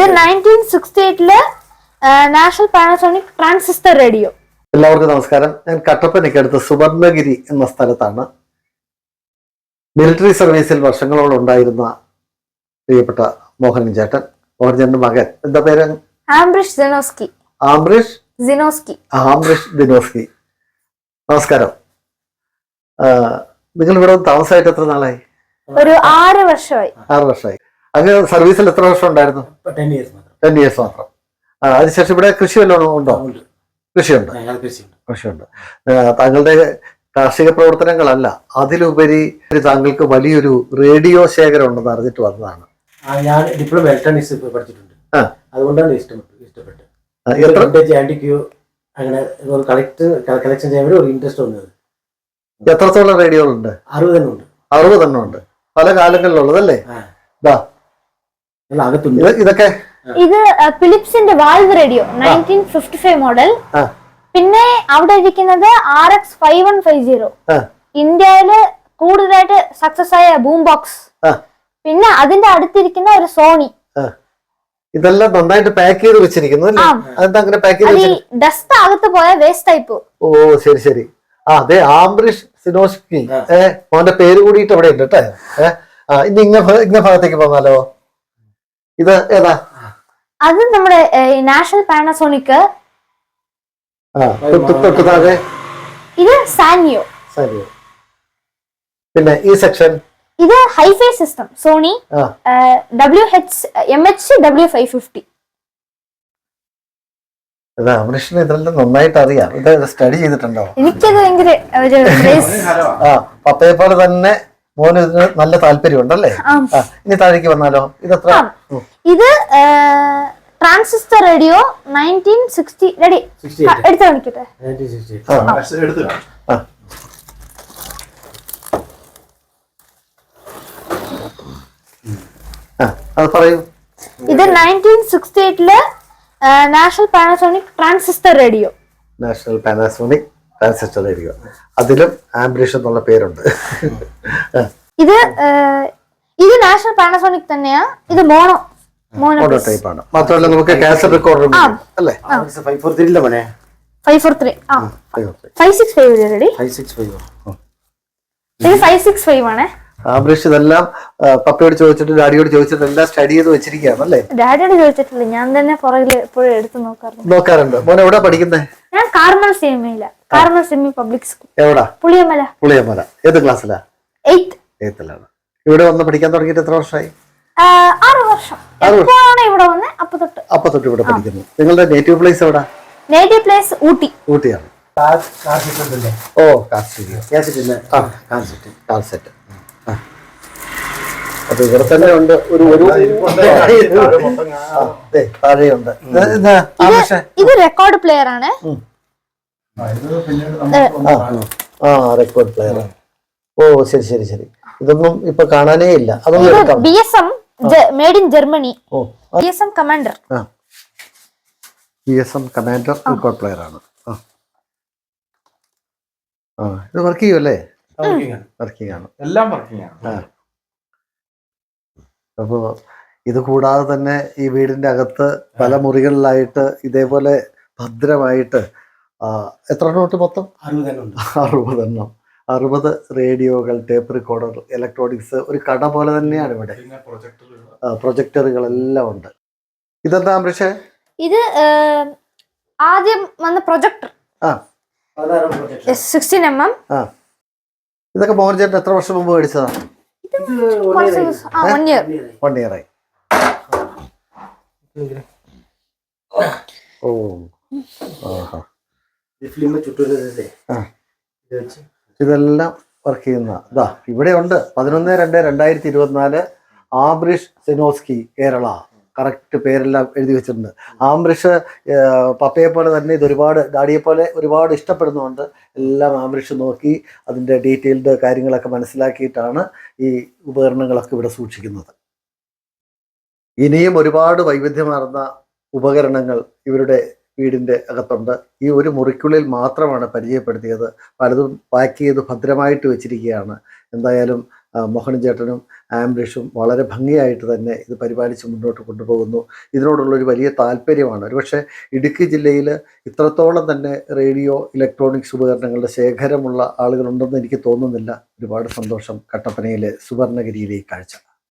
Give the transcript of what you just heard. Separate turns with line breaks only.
ഇത് 1968 national Panasonic transistor radio.
എല്ലാവർക്കും നമസ്കാരം. ഞാൻ കട്ടപ്പനയ്ക്കടുത്ത് സുവർണഗിരി എന്ന സ്ഥലത്താണ്. മിലിറ്ററി സർവീസിൽ വർഷങ്ങളോളം ഉണ്ടായിരുന്ന പ്രിയപ്പെട്ട മോഹൻ ചേട്ടൻ, മോഹൻ ചേട്ടന്റെ മകൻ, എന്താ പേര്?
ആംബ്രിഷ് ദിനോസ്കി.
ആംബ്രിഷ് ദിനോസ്കി. നമസ്കാരം. നിങ്ങൾ ഇവിടെ താമസമായിട്ട് എത്ര നാളായി?
ഒരു 6 വർഷമായി.
6 വർഷമായി. അങ്ങ് സർവീസിൽ എത്ര വർഷം ഉണ്ടായിരുന്നു? 10 years മാത്രം. അതിനുശേഷം ഇവിടെ കൃഷി വല്ലതും ഉണ്ടോ? കൃഷിയുണ്ട്. താങ്കളുടെ കാർഷിക പ്രവർത്തനങ്ങളല്ല, അതിലുപരി താങ്കൾക്ക് വലിയൊരു റേഡിയോ ശേഖരം ഉണ്ടെന്ന് അറിഞ്ഞിട്ട് വന്നതാണ്.
ഞാൻ ഡിപ്ലോമ ഇലക്ട്രോണിക്സ് പഠിച്ചിട്ടുണ്ട്, അതുകൊണ്ടാണ് ഇഷ്ടപ്പെട്ടത്. അങ്ങനെ കളക്ഷൻ ചെയ്യാൻ ഒരു ഇൻട്രസ്റ്റ് വന്നത്.
എത്രത്തോളം റേഡിയോകളുണ്ട്? 60 എണ്ണം ഉണ്ട്. പല കാലങ്ങളിലുള്ളതല്ലേ? ഇതൊക്കെ
ഇത് ഫിലിപ്സിന്റെ വാൽവ് റേഡിയോ 1955 മോഡൽ. പിന്നെ അവിടെ ഇരിക്കുന്നത് RX 5150, ഇന്ത്യയില് കൂടുതലായിട്ട് സക്സസ് ആയ ബൂം ബോക്സ്. പിന്നെ അതിന്റെ അടുത്തിരിക്കുന്ന ഒരു സോണി.
ഇതെല്ലാം നന്നായിട്ട് പാക്ക് ചെയ്ത് വെച്ചിരിക്കുന്നു.
ഡസ്റ്റ് അകത്ത് പോയ വേസ്റ്റ് ടൈപ്പ്.
ഓ ശരി ശരി. അതെ, ആംബ്രിഷ് സിനോസ്കി. മോന്റെ പേര് കൂടിയിട്ട് അവിടെ ഉണ്ട് കേട്ടോ. ഇനി ഇന്ന ഭാഗത്തേക്ക് പോന്നാലോ? ഇത് ഏതാ?
അത് നമ്മുടെ നാഷണൽ പാനസോണിക്. ഇത് സാനിയോ.
പിന്നെ ഈ സെക്ഷൻ
ഇത് ഹൈഫൈ സിസ്റ്റം സോണി MH-W550.
അമൃഷിന് ഇതെല്ലാം നന്നായിട്ട് അറിയാം. ഇത് സ്റ്റഡി ചെയ്തിട്ടുണ്ടോ?
എനിക്കത് ഭയങ്കര
പപ്പയെ പോലെ തന്നെ മോന് ഇതിന് നല്ല താല്പര്യം ഉണ്ടല്ലേ? ഇനി താഴേക്ക് വന്നാലോ? ഇതെത്ര?
ഇത് ട്രാൻസിസ്റ്റർ റേഡിയോ 1960. റെഡി? എടുത്ത് കാണിക്കട്ടെ.
അത് പറയൂ.
ഇത് 1968 നാഷണൽ പാനസോണിക് ട്രാൻസിസ്റ്റർ റേഡിയോ.
അതിലും ആംബ്രിഷ് എന്നുള്ള പേരുണ്ട്.
ഇത് നാഷണൽ പാനസോണിക് തന്നെയാ. ഇത് മോണോ
ടൈപ്പ് ആണ്. മാത്രമല്ല നമുക്ക് കാസറ്റ് റെക്കോർഡർ അല്ലേ?
543
565 റെഡി? 565 ആണ്.
ആംബ്രിഷ് ഇതെല്ലാം പപ്പയോട് ചോദിച്ചിട്ട് ഡാഡിയോട് ചോദിച്ചിട്ട് എല്ലാം സ്റ്റഡി ചെയ്ത് വെച്ചിരിക്കുകയാണ് അല്ലേ?
ഡാഡിയോട് ചോദിച്ചിട്ടില്ല, ഞാൻ തന്നെ പുറകിൽ എപ്പോഴും എടുത്ത്
നോക്കാറുണ്ട്. മോനെ എവിടെ പഠിക്കുന്നത്?
ഞാൻ കാർമൽ സെമി പബ്ലിക് സ്കൂൾ.
എവിടാ?
പുളിയമല.
ഏത് ക്ലാസ്സിലാ? 8th. ഇവിടെ വന്ന് പഠിക്കാൻ തുടങ്ങിയിട്ട് എത്ര വർഷമായി?
6 വർഷം. ഇവിടെ വന്ന് അപ്പൊ തൊട്ട്
ഇവിടെ പഠിക്കുന്നു. നിങ്ങളുടെ നേറ്റീവ് പ്ലേസ് എവിടാ?
നേറ്റീവ് പ്ലേസ് ഊട്ടിയാണ്.
ഓ കാസറ്റ്. അപ്പൊ ഇവിടെ തന്നെ ഉണ്ട്. താഴെയുണ്ട്.
ഇത് റെക്കോർഡ് പ്ലെയർ ആണ്.
Record player. ഓ ശരി ശരി ശരി. ഇതൊന്നും ഇപ്പൊ കാണാനേ ഇല്ല. അതൊന്നും
BSM made in Germany. BSM commander record player ആണ്. ഇത് വർക്ക് ചെയ്യുമല്ലേ? വർക്കിംഗ് ആണ്. എല്ലാം വർക്കിംഗ് ആണ്. അപ്പോ ഇത് കൂടാതെ തന്നെ ഈ വീടിന്റെ അകത്ത് പല മുറികളിലായിട്ട് ഇതേപോലെ ഭദ്രമായിട്ട് എത്ര എണ്ണം മൊത്തം? 60 റേഡിയോകൾ, ടേപ്പ് റെക്കോർഡർ, ഇലക്ട്രോണിക്സ്, ഒരു കട പോലെ തന്നെയാണ് ഇവിടെ. പ്രൊജക്ടറുകളെല്ലാം ഉണ്ട്. ഇതെന്താ അമൃഷേ? ഇത് ആദ്യം വന്ന പ്രൊജക്ടർ 16mm.
ഇതൊക്കെ മോഹൻ ചേട്ടൻ എത്ര വർഷം മുമ്പ് മേടിച്ചതാ? 1 year ആയി. ഓ ഇതെല്ലാം വർക്ക് ചെയ്യുന്ന ഇവിടെ ഉണ്ട്. 11/2/2024 ആംബ്രിഷ് സിനോസ്കി, കേരള. കറക്റ്റ് പേരെല്ലാം എഴുതി വെച്ചിട്ടുണ്ട്. ആംബ്രിഷ് പപ്പയെ പോലെ തന്നെ ഇത് ഒരുപാട്, ഡാഡിയെ പോലെ ഒരുപാട് ഇഷ്ടപ്പെടുന്നുണ്ട്. എല്ലാം ആംബ്രിഷ് നോക്കി അതിൻ്റെ ഡീറ്റെയിൽഡ് കാര്യങ്ങളൊക്കെ മനസ്സിലാക്കിയിട്ടാണ് ഈ ഉപകരണങ്ങളൊക്കെ ഇവിടെ സൂക്ഷിക്കുന്നത്. ഇനിയും ഒരുപാട് വൈവിധ്യമാർന്ന ഉപകരണങ്ങൾ ഇവരുടെ വീടിൻ്റെ അകത്തുണ്ട്. ഈ ഒരു മുറിക്കുള്ളിൽ മാത്രമാണ് പരിചയപ്പെടുത്തിയത്. പലതും പാക്ക് ചെയ്ത് ഭദ്രമായിട്ട് വെച്ചിരിക്കുകയാണ്. എന്തായാലും മോഹൻ ചേട്ടനും ആംബ്രിഷും വളരെ ഭംഗിയായിട്ട് തന്നെ ഇത് പരിപാലിച്ച് മുന്നോട്ട് കൊണ്ടുപോകുന്നു. ഇതിനോടുള്ളൊരു വലിയ താല്പര്യമാണ്. ഒരുപക്ഷെ ഇടുക്കി ജില്ലയിൽ ഇത്രത്തോളം തന്നെ റേഡിയോ ഇലക്ട്രോണിക്സ് ഉപകരണങ്ങളുടെ ശേഖരമുള്ള ആളുകളുണ്ടെന്ന് എനിക്ക് തോന്നുന്നില്ല. ഒരുപാട് സന്തോഷം കട്ടപ്പനയിലെ സുവർണഗിരിയിലെ ഈ കാഴ്ച.